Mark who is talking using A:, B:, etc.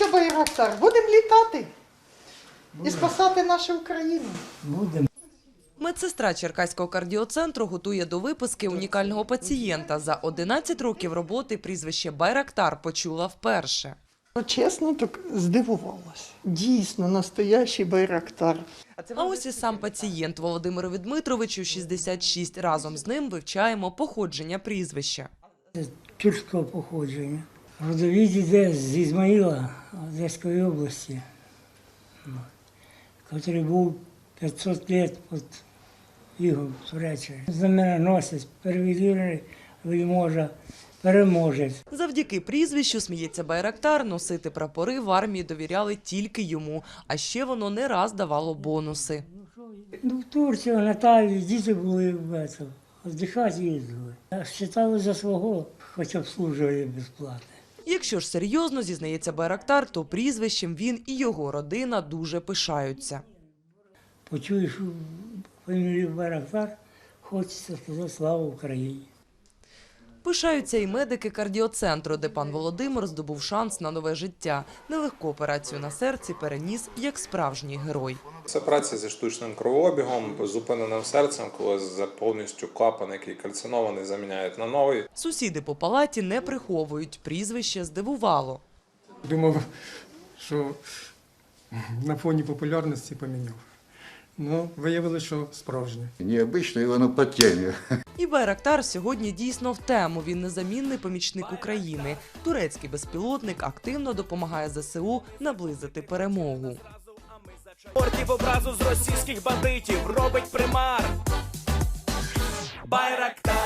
A: на Байрактар. Будемо літати і спасати нашу Україну.
B: Будемо.
C: Медсестра Черкаського кардіоцентру готує до виписки унікального пацієнта. За 11 років роботи прізвище Байрактар почула вперше.
A: Чесно, так здивувалась. Дійсно, настоящий Байрактар.
C: А ось і сам пацієнт Володимирові Дмитровичу, 66. Разом з ним вивчаємо походження прізвища.
B: Тюркського походження. Родовід іде з Ізмаїла, Одеської області, який був 500 років під Ігом Туреччини. Знаменоносець, перевірений вельможа, переможець.
C: Завдяки прізвищу, сміється Байрактар, носити прапори в армії довіряли тільки йому. А ще воно не раз давало бонуси.
B: В Турцію, на Таві, діти були віддихати їздили. Вважали за свого, хоча б служили безплатно.
C: Якщо ж серйозно, зізнається Байрактар, то прізвищем він і його родина дуже пишаються.
B: Почуєш фамілію Байрактар, хочеться сказати слава Україні.
C: Пишаються і медики кардіоцентру, де пан Володимир здобув шанс на нове життя. Нелегку операцію на серці переніс як справжній герой.
D: Це праця зі штучним кровообігом, зупиненим серцем, коли повністю клапан, який кальцинований, заміняють на новий.
C: Сусіди по палаті не приховують. Прізвище здивувало.
E: Думав, що на фоні популярності поміняв. Ну, виявилося, що справжнє.
F: Необычно, и воно по темі.
C: І Байрактар сьогодні дійсно в тему. Він незамінний помічник України. Турецький безпілотник активно допомагає ЗСУ наблизити перемогу.
G: Портів образу з російських бандитів робить примар. Байрактар.